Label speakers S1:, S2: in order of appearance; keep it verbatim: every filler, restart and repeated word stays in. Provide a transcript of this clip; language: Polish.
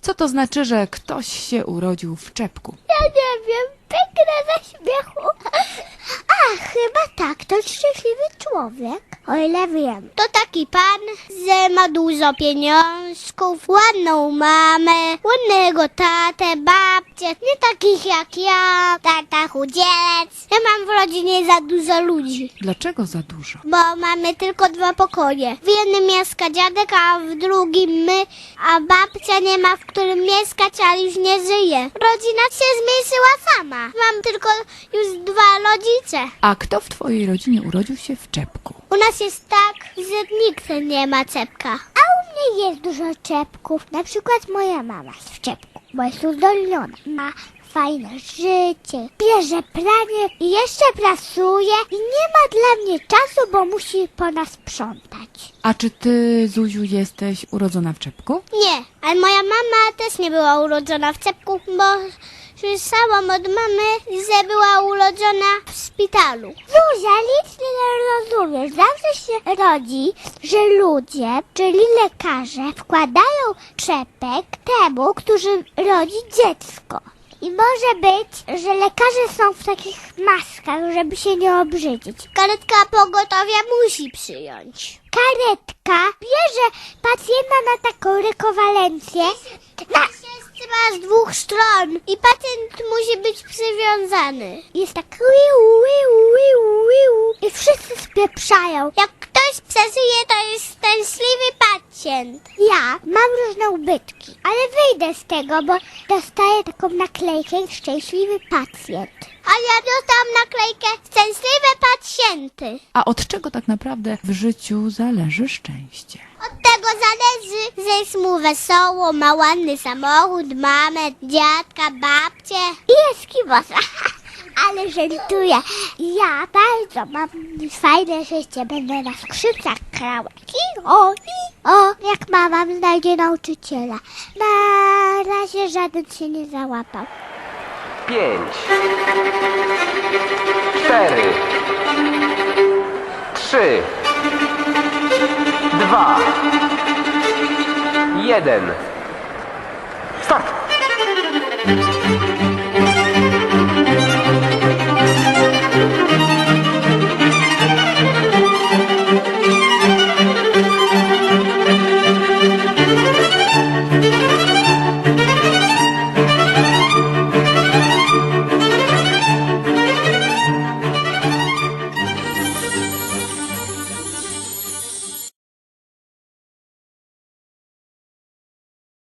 S1: Co to znaczy, że ktoś się urodził w czepku?
S2: Ja nie wiem, pęknę ze śmiechu. A, chyba tak, to szczęśliwy człowiek. O ile wiem. To taki pan, że ma dużo pieniążków, ładną mamę, ładnego tatę, babcię, nie takich jak ja, tata chudzielec. Ja mam w rodzinie za dużo ludzi,
S1: Dlaczego za dużo?
S2: bo mamy tylko dwa pokoje. W jednym mieszka dziadek, a w drugim my, a babcia nie ma w którym mieszkać, ale już nie żyje. Rodzina się zmniejszyła sama. Mam tylko już dwa rodzice.
S1: A kto w twojej rodzinie urodził się w czepku?
S2: U nas jest tak, że nikt nie ma czepka. A u mnie jest dużo czepków. Na przykład moja mama jest w czepku, bo jest uzdolniona. Ma fajne życie, bierze pranie i jeszcze pracuje i nie ma dla mnie czasu, bo musi po nas sprzątać.
S1: A czy ty, Zuziu, jesteś urodzona w czepku?
S2: Nie, ale moja mama też nie była urodzona w czepku, bo słyszałam od mamy, że była urodzona w szpitalu. Zuzia, nic nie rozumiesz. Zawsze się rodzi, że ludzie, czyli lekarze, wkładają czepek temu, który rodzi dziecko. I może być, że lekarze są w takich maskach, żeby się nie obrzydzić. Karetka pogotowia musi przyjąć. Karetka bierze pacjenta na taką rekowalencję. Na... Trzyma z dwóch stron i pacjent musi być przywiązany. Jest tak wiu, wiu, wiu, wiu. I wszyscy spieprzają. Jak ktoś przeżyje, to jest szczęśliwy pacjent. Ja mam różne ubytki, ale wyjdę z tego, bo dostaję taką naklejkę szczęśliwy pacjent. A ja dostałam naklejkę szczęśliwe pacjenty.
S1: A od czego tak naprawdę w życiu zależy szczęście?
S2: Od tego zależy, że jest mu wesoło, ma ładny samochód, mamę, dziadka, babcię i jest kibosa. Ale żartuję. Ja bardzo mam fajne życie. Będę na skrzypcach grała. I o, i o, jak mama znajdzie nauczyciela. Na razie żaden się nie załapał.
S3: Pięć, cztery, trzy, dwa, jeden. Start!